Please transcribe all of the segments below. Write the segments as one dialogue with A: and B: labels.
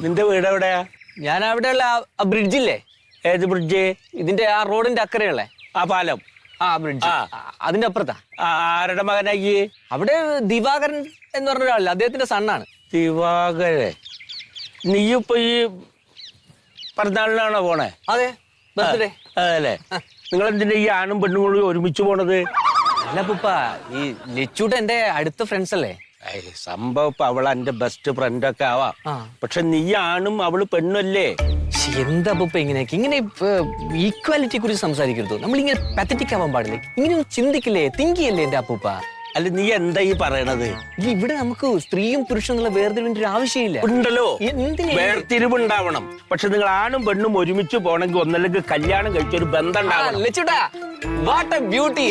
A: നിന്റെ വീട് എവിടെയാ?
B: ഞാൻ അവിടെയുള്ള ആ ബ്രിഡ്ജില്ലേ?
A: ഏത് ബ്രിഡ്ജ്?
B: ഇതിന്റെ ആ റോഡിന്റെ അക്കരെയുള്ള
A: ആ പാലം.
B: ആ ബ്രിഡ്ജ് അതിന്റെ അപ്പുറത്താ.
A: ആരുടെ മകനായി?
B: അവിടെ ദിവാകരൻ എന്ന് പറഞ്ഞ ഒരാളില്ല, അദ്ദേഹത്തിന്റെ സണ്ണാണ്.
A: ദിവാകരൻ. നീയിപ്പോ ഈ പിറന്നാളിനാണോ പോണേ?
B: അതെ, ബർത്ത്ഡേ.
A: അതല്ലേ. നിങ്ങൾ എന്തിനാ ഈ ആണും പെണ്ണും കൂടി ഒരുമിച്ച് പോണത്?
B: അല്ല പൂപ്പ, ഈ ലച്ചൂട്ട എന്റെ അടുത്ത ഫ്രണ്ട്സ് അല്ലേ?
A: സംഭവം ഇപ്പൊ അവള് എന്റെ ബെസ്റ്റ് ഫ്രണ്ട് ഒക്കെ ആവാം. പക്ഷെ നീ ആണും അവള് പെണ്ണല്ലേ?
B: എന്താ പൂപ്പ ഇങ്ങനെയൊക്കെ? ഇങ്ങനെ ഈക്വാലിറ്റിയെ കുറിച്ച് സംസാരിക്കരുത്. നമ്മളിങ്ങനെ പത്തറ്റിക് ആവാൻ പാടില്ലേ? ഇങ്ങനെ ചിന്തിക്കില്ലേ, തിങ്ക് ചെയ്യല്ലേ എന്റെ അപ്പൂപ്പ?
A: അല്ല, നീ എന്താ ഈ പറയണത്?
B: ഇവിടെ നമുക്ക് സ്ത്രീയും പുരുഷനും എന്നുള്ള വേർതിരിവിന്റെ ഒരു ആവശ്യമില്ല.
A: ഉണ്ടല്ലോ, വേർതിരിവ് ഉണ്ടാവണം. പക്ഷെ നിങ്ങൾ ആണും പെണ്ണും ഒരുമിച്ച് പോണെങ്കിൽ ഒന്നല്ലെങ്കിൽ കല്യാണം കഴിച്ചൊരു ബന്ധം ഉണ്ടാവണം.
B: ലച്ചൂട്ടാ, വാട്ട് എ ബ്യൂട്ടി.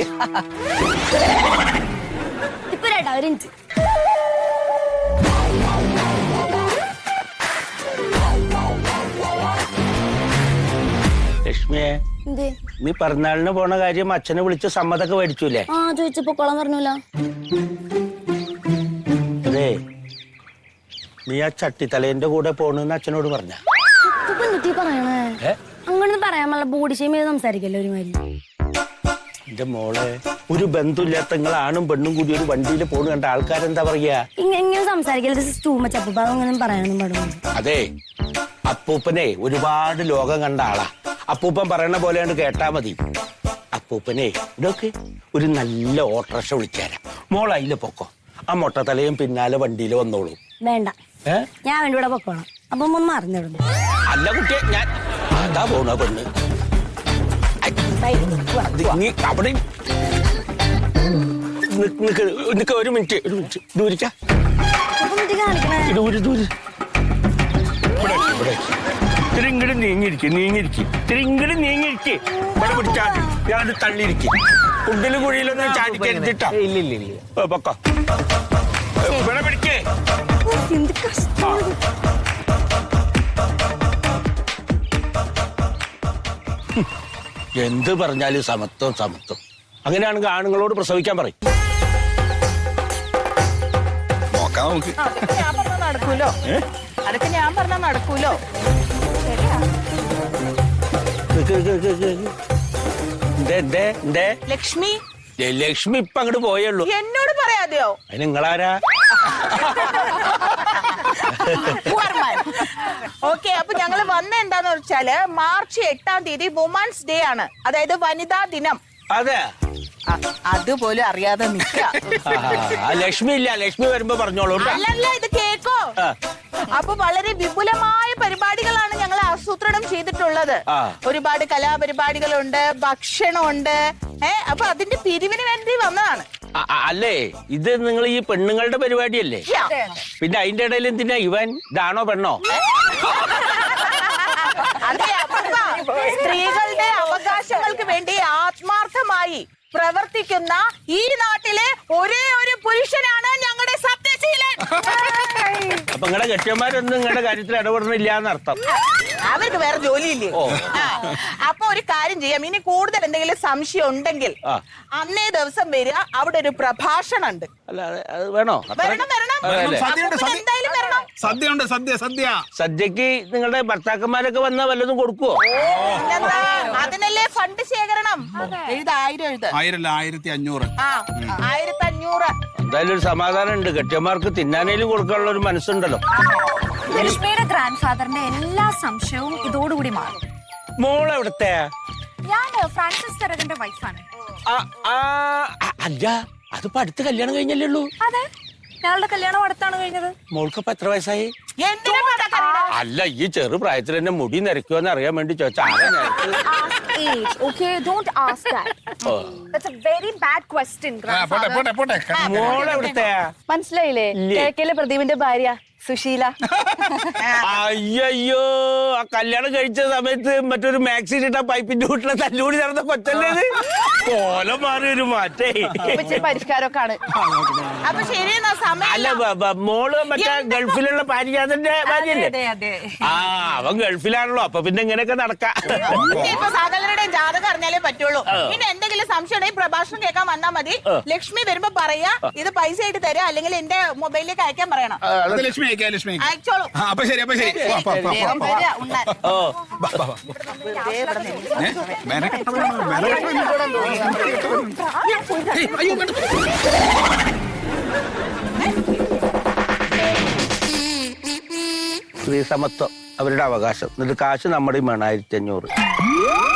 A: ലക്ഷ്മിയെ, നീ പിറന്നാളിന് പോണ കാര്യം അച്ഛനെ വിളിച്ച് സമ്മതൊക്കെ മേടിച്ചൂലേ?
C: ചോദിച്ചപ്പോ കൊളം പറഞ്ഞൂല.
A: അതെ, നീ ആ ചട്ടിത്തലേന്റെ കൂടെ പോണെന്ന് അച്ഛനോട് പറഞ്ഞ?
C: പറയണേ അങ്ങനെ പറയാമല്ല. ബോഡി ഷെയിം ചെയ്ത് സംസാരിക്കല്ലോ ഒരുമാതിരി.
A: എന്റെ മോളെ, ഒരു ബന്ധമില്ലാത്ത നിങ്ങൾ ആണും പെണ്ണും കൂടി ഒരു വണ്ടിയിൽ പോണ കണ്ട ആൾക്കാരെന്താ പറയാ?
C: ഇങ്ങനെ സംസാരിക്കല്ലേ, പറയാനൊന്നും പാടില്ല.
A: അതെ, അപ്പൂപ്പനെ ഒരുപാട് ലോകം കണ്ട ആളാ. അപ്പൂപ്പൻ പറയണ പോലെയാണ് കേട്ടാ മതി. അപ്പൂപ്പനെ ഇതൊക്കെ ഒരു നല്ല ഓട്ടോറിക്ഷ വിളിച്ചേരാം. മോൾ അതില് പൊക്കോ, ആ മൊട്ടത്തലയും പിന്നാലെ വണ്ടിയിൽ വന്നോളൂ.
C: വേണ്ട, ഞാൻ വേണ്ടി ഇവിടെ പൊക്കോളാം. അപ്പൊ ഒന്ന് മറിഞ്ഞിടുന്നു.
A: അല്ല കുട്ടിയെ, ഞാൻ അതാ പോണ പെണ്ണ്. നീ അവിടെ ഒരു മിനിറ്റ് ദൂരിക്ക. ഇങ്ങോട്ട് നീങ്ങിരിക്കും. ഇവിടെ പിടിച്ചാൽ ഞാനത് തള്ളിയിരിക്കും. കുണ്ടിലും കുഴിയിലൊന്നും ചാടിക്കരുതിട്ടാ.
B: ഇല്ല,
A: പൊക്കോ, ഇവിടെ പിടിക്കേ. എന്ത് പറഞ്ഞാലും സമത്വം സമത്വം. അങ്ങനെയാണെങ്കിൽ ആണുങ്ങളോട് പ്രസവിക്കാൻ പറയും.
D: നടക്കൂലോ, അതൊക്കെ ഞാൻ പറഞ്ഞാ നടക്കൂലോ. ലക്ഷ്മി,
A: ലക്ഷ്മി ഇപ്പൊ അങ്ങോട്ട് പോയുള്ളൂ.
D: എന്നോട് പറയാതെയോ?
A: അതിന് നിങ്ങളാരാ?
D: ഓക്കെ, അപ്പൊ ഞങ്ങള് വന്ന എന്താന്ന് വെച്ചാല് മാർച്ച് 8-ാം തീയതി വുമൻസ് ഡേ ആണ്, അതായത് വനിതാ ദിനം.
A: അതെ,
D: അതുപോലും അറിയാതെ
A: ലക്ഷ്മി ഇല്ല. ലക്ഷ്മി വരുമ്പോ പറഞ്ഞോളൂ.
D: അല്ലല്ല, ഇത് കേക്കോ. അപ്പൊ വളരെ വിപുലമായ പരിപാടികളാണ് ഞങ്ങൾ ആസൂത്രണം ചെയ്തിട്ടുള്ളത്. ഒരുപാട് കലാപരിപാടികളുണ്ട്, ഭക്ഷണമുണ്ട്. അപ്പൊ അതിന്റെ പിരിവിന് വേണ്ടി വന്നതാണ്.
A: അല്ലേ, ഇത് നിങ്ങൾ ഈ പെണ്ണുങ്ങളുടെ പരിപാടിയല്ലേ? പിന്നെ അതിന്റെ ഇടയിൽ എന്തിനാ ഇവൻ? ഇതാണോ പെണ്ണോ?
D: അതെ, സ്ത്രീകളുടെ അവകാശങ്ങൾക്ക് വേണ്ടി ആത്മാർത്ഥമായി പ്രവർത്തിക്കുന്ന ഈ നാട്ടിലെ ഒരേ ഒരു പുരുഷനാണ് ഞങ്ങളുടെ സത്യശീലൻ.
A: അപ്പൊ നിങ്ങളുടെ കെട്ടിയന്മാരൊന്നും നിങ്ങളുടെ കാര്യത്തിൽ ഇടപെടണില്ല എന്നർത്ഥം.
D: അവർക്ക് വേറെ ജോലിയില്ലേ? അപ്പൊ ഒരു കാര്യം ചെയ്യാം, ഇനി കൂടുതൽ എന്തെങ്കിലും സംശയം ഉണ്ടെങ്കിൽ അന്നേ ദിവസം വരിക, അവിടെ ഒരു പ്രഭാഷണം ഉണ്ട്.
A: അല്ല, അത് വേണോ?
D: എന്തായാലും വരണം.
A: സദ്യക്ക് നിങ്ങളുടെ ഭർത്താക്കന്മാരൊക്കെ വന്നാൽ വല്ലതും കൊടുക്കുവോ?
D: അതിനല്ലേ ഫണ്ട് ശേഖരണം. 1000
E: 1500.
D: 1500.
A: എന്തായാലും ഒരു സമാധാനം ഉണ്ട്. കെട്ടിയന്മാർക്ക് തിന്നാനേലും കൊടുക്കാനുള്ള ഒരു മനസ്സുണ്ടല്ലോ.
F: ലക്ഷ്മിയുടെ ഗ്രാൻഡ് ഫാദറിന്റെ എല്ലാ സംശയവും ഇതോടുകൂടി മാറും.
A: മോള് എവിടത്തെ?
F: ഞാൻ ഫ്രാൻസിസ് തെരകന്റെ വൈഫാണ്.
A: അല്ല, അതിപ്പോ അടുത്ത് കല്യാണം കഴിഞ്ഞല്ലേ ഉള്ളൂ?
F: അതെ, ഞങ്ങളുടെ കല്യാണം അടുത്താണ് കഴിഞ്ഞത്.
A: മോൾക്കിപ്പോ എത്ര വയസ്സായി? അല്ല, ഈ ചെറു പ്രായത്തിൽ തന്നെ മുടി നിരക്കുമെന്ന് അറിയാൻ വേണ്ടി ചോദിച്ചാ.
D: മനസ്സിലായില്ലേ? കേക്കയിലെ പ്രദീപിന്റെ ഭാര്യ സുശീല.
A: അയ്യോ, ആ കല്യാണം കഴിച്ച സമയത്ത് മറ്റൊരു മാക്സി ഇട്ട പൈപ്പിന്റെ വീട്ടിലെ തല്ലൂടി നടന്ന കൊച്ചല്ലേ? കോലം മാറി ഒരു മാറ്റേ.
D: പരിഷ്കാരമൊക്കെ ആണ്. അപ്പൊ ശരി,
A: അല്ല, മോള് മറ്റേ ഗൾഫിലുള്ള പാരിജാതന്റെ ഭാര്യയല്ലേ? അവൻ ഗൾഫിലാണല്ലോ. അപ്പൊ പിന്നെ ഇങ്ങനെയൊക്കെ നടക്കാം.
D: സകലരുടെയും ജാതകം അറിഞ്ഞാലേ പറ്റുള്ളൂ. പിന്നെ എന്തെങ്കിലും സംശയം പ്രഭാഷണം കേൾക്കാൻ വന്നാ മതി. ലക്ഷ്മി വരുമ്പോ പറയാ ഇത് പൈസ ആയിട്ട് തരാം, അല്ലെങ്കിൽ എന്റെ മൊബൈലിലേക്ക് അയക്കാൻ പറയണം.
E: അത് ലക്ഷ്മി അയക്കാം, ലക്ഷ്മി
D: അയച്ചോളൂ.
E: അപ്പൊ ശരി, അപ്പൊ ശരി.
D: വേഗം വരിക, ഉണ്ണാൻ.
A: സ്ത്രീ സമത്വം അവരുടെ അവകാശം. എന്നിട്ട് കാശ് നമ്മുടെ 1500.